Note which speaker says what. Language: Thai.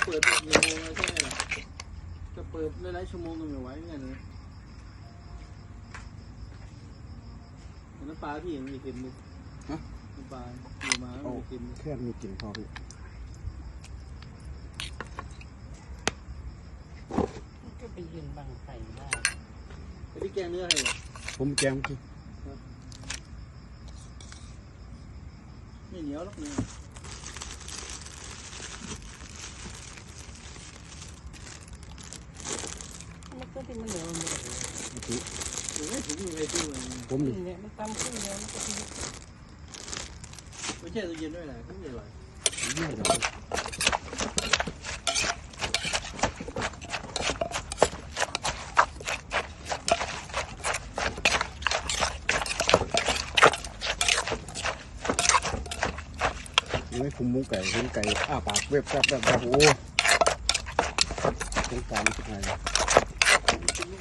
Speaker 1: เปิดกี่โมงใช่ไหมล่ะจะเปิดหลายชั่วโมงก็ไม่ไหวเงี้ยเลยน้ำปลาพี่ยังไม่กินเลยน้ำปลาอยู่มาไม่กิน
Speaker 2: แค่มีกลิ่นพอพี่
Speaker 3: ก็ไปยืนบังไฟได้
Speaker 1: ไปที่แกงเนื้อให้เหรอ
Speaker 2: ผมแกงพี่
Speaker 1: ไม่เหนียวหรอกเนี่ย
Speaker 3: มันก็ที่มันเหนียวมันเลย
Speaker 1: หรือไม่ถุงอยู่ในตู้เลย
Speaker 2: ผม
Speaker 3: เนี่ยมันตำขึ้นแล้วมันก็ที่
Speaker 1: ไม่ใช่ตู้เย็นด้วยแหละก็ไม่อร่อย
Speaker 2: ไม่หรอกไม่คุมมุ้งไก่เห็นไก่อ้าปากเว็บโอ้ตรงกลางอะไร